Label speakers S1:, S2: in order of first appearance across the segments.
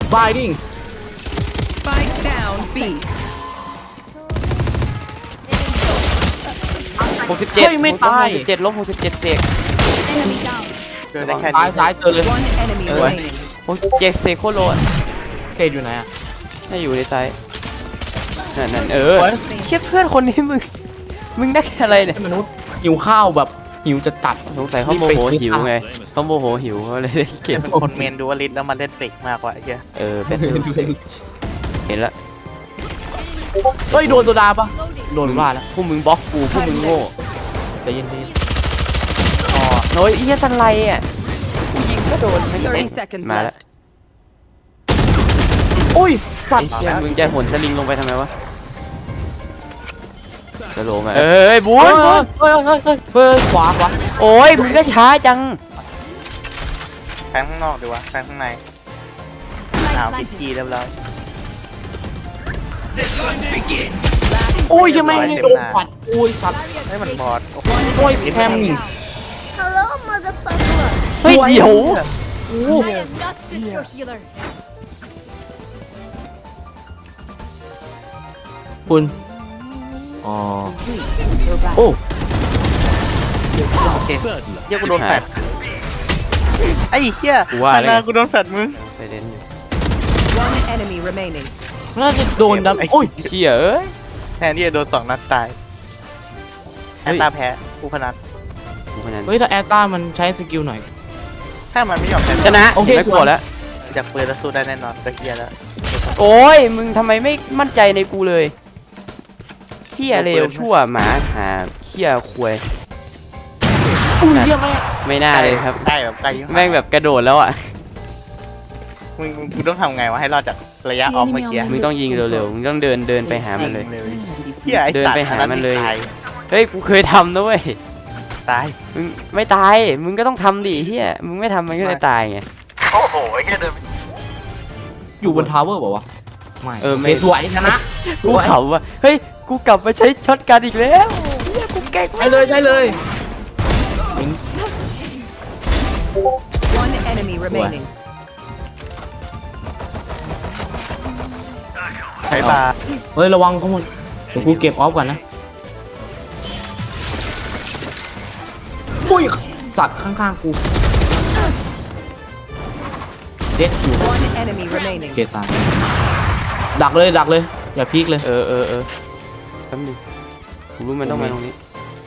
S1: Fighting
S2: Spike down B.
S3: 67
S1: เฮ้ยไม่ตาย
S3: 67ลบ67เสก
S4: Enemy down.
S5: เดินได้แค่
S1: ซ้าย
S5: นี้
S1: ซ้ายเจอเลย
S2: One enemy
S3: Oh,
S2: remaining.
S3: 67เสกโคตรโลด
S1: เกตอยู่ไหนอ่ะ
S3: น่าอยู่ในไซส์นั่นเออ
S1: เฮ้ย
S3: เชี่ยเพื่อนคนนี้มึงได้อะไรเนี่ย
S1: มนุษย์หิวข้าวแบบหิวจะตัด
S3: สงสัยเขาโมโหหิวไงเขาโมโหหิวเขาเลยเล่นเกม
S5: เป็นคนเมนดูวลิสแล้วมันเล่นเฟกมากกว่าไอ้เหี้ย
S3: เออเป็นเห็นละ
S1: เฮ้ยโดนโซดาปะโดนว่าแล้ว
S3: พวกมึงบล็อกกูพวกมึงโง่
S1: ใจเย็น
S3: อ๋อโน้ยเฮียสันไลอ่ะกูยิงก็โดนไม่โดน
S2: 30 seconds
S3: มาแล้ว
S2: left.
S1: ๆโอ้ยสัต
S3: ไอ้
S1: ว์
S3: เชี่ยมึงจะหนสลิงลงไปทำไมวะกระโหลกมาเอ้ยบู
S1: เฮ้
S3: น
S1: ย
S3: บูน
S1: เฮ้ยขวา
S3: โอ้ยมึงก็ช้าจัง
S5: แฟงข้างนอกดีวะแฟงข้างในอ้าวพิธีเรียบร้อย
S1: โอ้ยยังไม่โดนปัดโอ้ยสัตว์
S5: ให้มันบอด
S1: โอ้ยแคมนี่
S4: Hello, motherfucker.
S3: เฮ้ยเดี๋ยว
S1: โอ้
S4: I am not just your healer.
S1: คุณอ๋อโอ้
S5: โอเคเหี้ยกูโดนแฟดไอ้เหี้ย
S3: กูว่า
S5: ข้าง
S3: เล
S5: หน้าย กูโดนแฟดมึง
S3: ไซเลนอยู่
S2: One enemy remaining.
S1: น่าจะโดนดับโอ้ย
S3: เชี่ยเอ้ย
S5: แทนที่จะโดน2 นัดตาย
S3: เฮ้
S5: แอย ตตาแพ้กูพนัน
S3: กูคนนั้น
S1: เฮ้ยถ้าแอตต้ามันใช้สกิลหน่อย
S5: ถ้ามันไม่ยอมแพ้
S3: ชนะ
S1: โอเค
S3: ไม่กลัวแล้ว
S5: จากปืนแล้วสู้ได้แน่นอนก็เฮียแล้ว
S3: โอ้ยมึงทำไมไม่มั่นใจในกูเลยเฮียเลวชั่วหมาหาเฮียควย
S1: อุ้ยเรียกแม่
S3: ไม่น่าเลยครับ
S5: ได้แบบไกลยิ่
S3: แม่งแบบกระโดดแล้วอ่ะ
S5: มึงต้องทำไงวะให้รอดจากระยะออฟเมื่อกี้
S3: มึงต้องยิงเร็วๆ มึงต้องเดินไปหามันเลย
S5: เฮียไอ้
S3: เดิน
S5: สัตว์
S3: ไปหามันเลย
S5: ตาย
S3: เฮ้ย กูเคยทำนะเว้ย
S5: ตาย
S3: มึงไม่ตาย มึงก็ต้องทำดิเฮียมึงไม่ทำมันก็เลยตายไง
S5: โอ้โหเฮียเดิน
S1: อยู่บนทาวเวอร์บอกว่าวะไม่
S3: เออไม่
S1: โคสวยชนะส
S3: กู
S1: วย
S3: เขาว่าเฮ้ย กูกลับมาใช้ช็อตกันอีกแล้วเฮียกูเก่ง
S1: ใช่เลยใช่เลย
S2: One enemy remaining.
S5: ใช้บา
S1: เฮ้ยระวังเขาหมดเดี๋ยวกูเก็บออฟก่อนนะปุ้ยสัตว์ข้างๆกูเด็ดอยู่
S2: One enemy remaining.
S1: เกตายดักเลยอย่าพีคเลย
S3: เออแป๊บนึงกูรู้มันต้องมาตรงนี้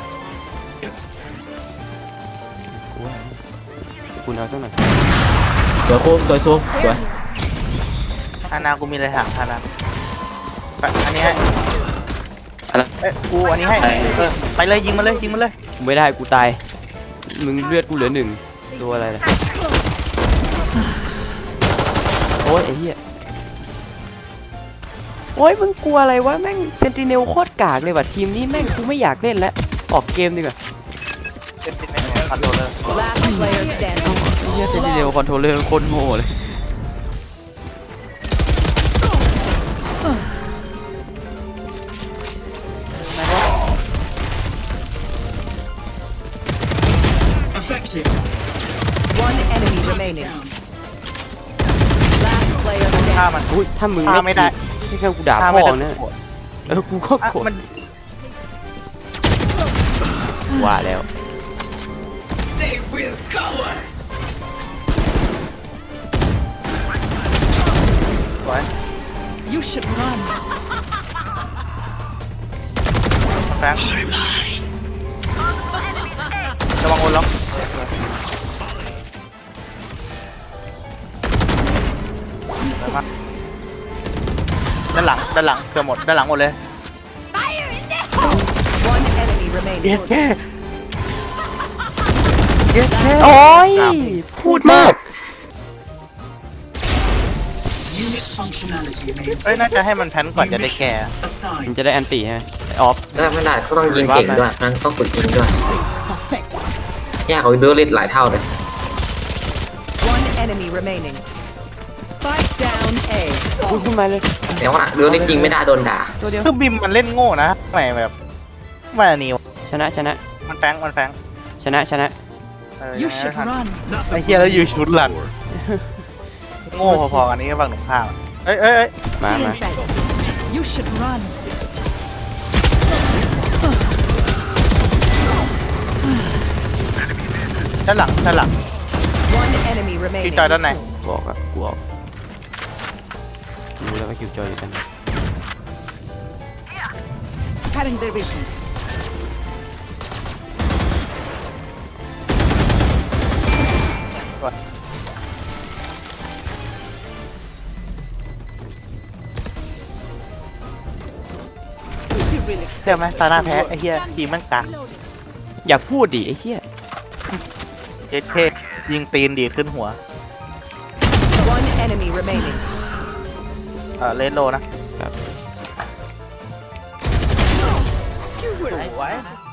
S3: กูเอาสักหน่อย
S1: สวยโคมสวยโซมสวย
S5: อานากูมีอะไรถามอานาอันนี้ให้เอ้ยกูอันนี้ให้ไปเลยยิงมาเลย
S3: กูไม่ได้กูตาย มึงเลือดกูเหลือ1ตัวอะไรล่ะโอ้ยไอ้เหี้ยโอ้ยมึงกลัวอะไรวะแม่งเซนติเนลโคตรกากเลยว่ะทีมนี้แม่งกูไม่อยากเล่นแล้วออกเกมดีกว่า
S5: เป็นคอนโทรลเลอร์
S2: Last player standing.
S3: เหี้ยเซนติเนลคอนโทรลเลอร์โคตรโง่เลย
S2: One enemy remaining. Last player
S5: ฆ่า
S2: standing.
S5: มัน
S3: อุ้ยถ้ามึง
S5: ฆ่าไม่ได้
S3: ไม่แค่กูด่า
S5: ฆ่า
S3: พ่
S5: ไม่
S3: อ
S5: ได้
S3: นะกูก็โกรธ
S5: มัน
S3: ว่าแล้ว
S5: สวย
S2: You should run.
S5: แฟงระวังโอนล็อกด้านหลังเกือบหมดด้านหลังหมดเลย
S2: One enemy remaining.
S5: เย็ดแค่
S3: โอ้ยพูดมาก
S5: เอ้ยน่าจะให้มันแพนก่อนจะได้แก่
S3: มันจะได้แอนตี้ใช่ไหมออฟ
S6: ได้ไม่ได้เขาต้องยิงเก่งด้วยมันต้องฝึกยิงด้วยยากกว่าดูเล่นหลายเท่าเลย
S2: One enemy remaining. Spike down A.
S3: พูดขึ้นมาเลย
S6: แต่ว่าดูเล่นยิงไม่ได้โดนด่า
S3: ตัวเดียว
S5: คือบิมมันเล่นโง่นะไม่แบบไม่อันนี้
S3: ชนะ
S5: มันแฟง
S3: ชนะ
S5: เออ
S2: You should run.
S5: ไอ้เฮียแล้วอยู่ชุดหลังโง่พอๆกันนี้ก็ฝั่งหนุ่มข้ามอะเอ้ย
S3: มา
S2: You should run.
S5: ด้านหลัง
S2: One enemy
S5: พี่
S2: remaining.
S5: จอยด้านไหน
S3: บอกอะกูออกรู้แล้วว่าคิวจอยอยู่กันไหน
S2: Cutting their vision.
S5: เชื่อไหมตาหน้าแพ้ไอ้เหี้ยทีมแมันกาก
S3: อย่าพูดดิไอ้เหี้ย
S5: เจ๊เทยิงตีนดีดขึ้นหัว
S2: One enemy remaining.
S5: เลนโลนะ
S3: ครับ
S5: สวย